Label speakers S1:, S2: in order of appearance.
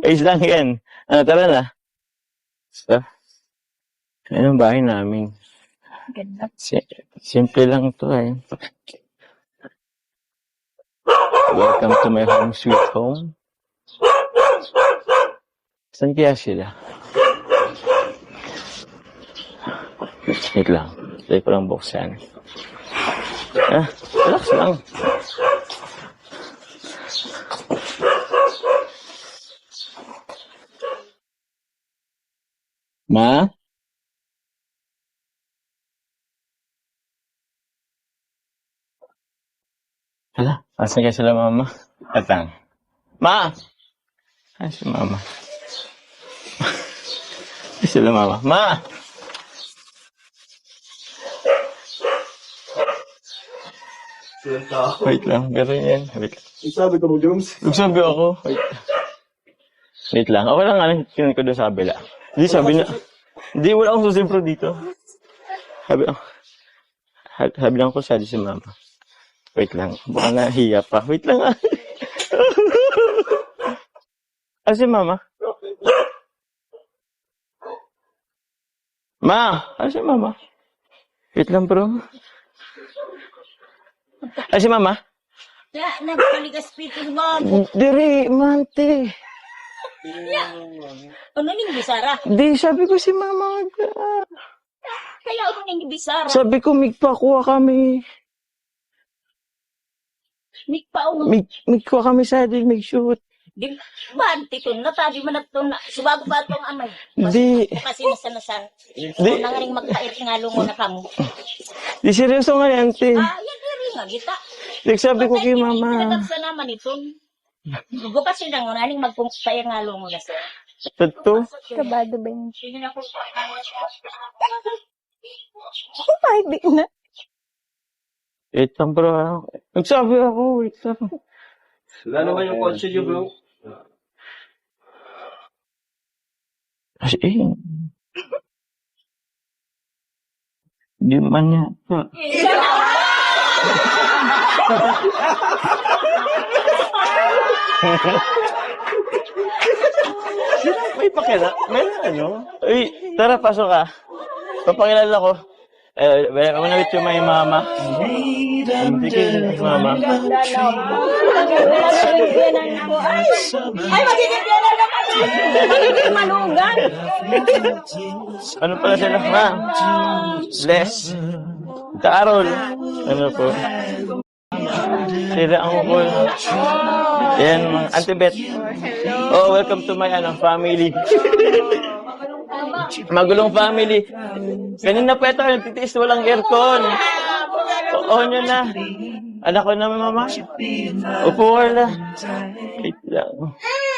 S1: Ayos lang yan. Tara na. So, ayun ang bahay namin.
S2: Ganda.
S1: Simple lang to eh. Welcome to my home sweet home. Saan kaya sila? Wait lang. Try ko lang buksan. Relax lang. Ma? Hala, asan kaya sila mama? Atang. Ma! Ay, si mama. Ay, sila mama. Ma! Wait lang, pero yan. Wait lang.
S3: Sabi ko mo, Jones.
S1: Nagsabi ako. Wait lang. Ako lang nga kinunin ko doon sa kabila. Hindi, sabi niya. Hindi, wala akong susimpro dito. Sabi lang ko sa si mama. Wait lang. Baka nahiya pa. Wait lang ah. Si mama? Ma! Si mama? Wait lang bro. Si mama?
S2: Nagpaligas pitin mo.
S1: Diri, mante.
S2: Ano ning bisara?
S1: Di, sabi ko si mama.
S2: Kaya ako ning bisara.
S1: Sabi ko, migpakuha kami. Migkuha kami sa atin, mag-shoot.
S2: Di ba, titun na, tabi man at na. Subago ba itong amay?
S1: Di.
S2: Kasi nasa.
S1: Di.
S2: Nangaring magpait nga lungo na kamo.
S1: Di, seryoso nga yan, te.
S2: Yan diri nga, kita.
S1: Nagsabi ko kay mama.
S2: Pinagkaksa naman itong. Bukas yun lang, naning magpungpaya nga lungo na siya.
S1: Totoo?
S4: Kabado ba yun?
S2: Sige na po.
S4: Ay, di na.
S1: Wait lang bro. Nagsabi ako, wait lang.
S3: Wala naman yung kotse niyo, bro.
S1: Kasi di man yata. May pakila. May ano? Uy, tara, pasok ka. Papakilala ko. Ako na with you, my mama. Sige, mama.
S2: Ay, magiging na naman! Malugan!
S1: Ano pala sila? Ma? Bless. Carol. Ano po? Sila ang ukol. Yan, Auntie Beth. Oh, welcome to my family. Magulong family. Kanina pa ito, nagtitiis walang aircon. Oo nyo na. Anak ko na, mama. Upo ka na. Wait lang.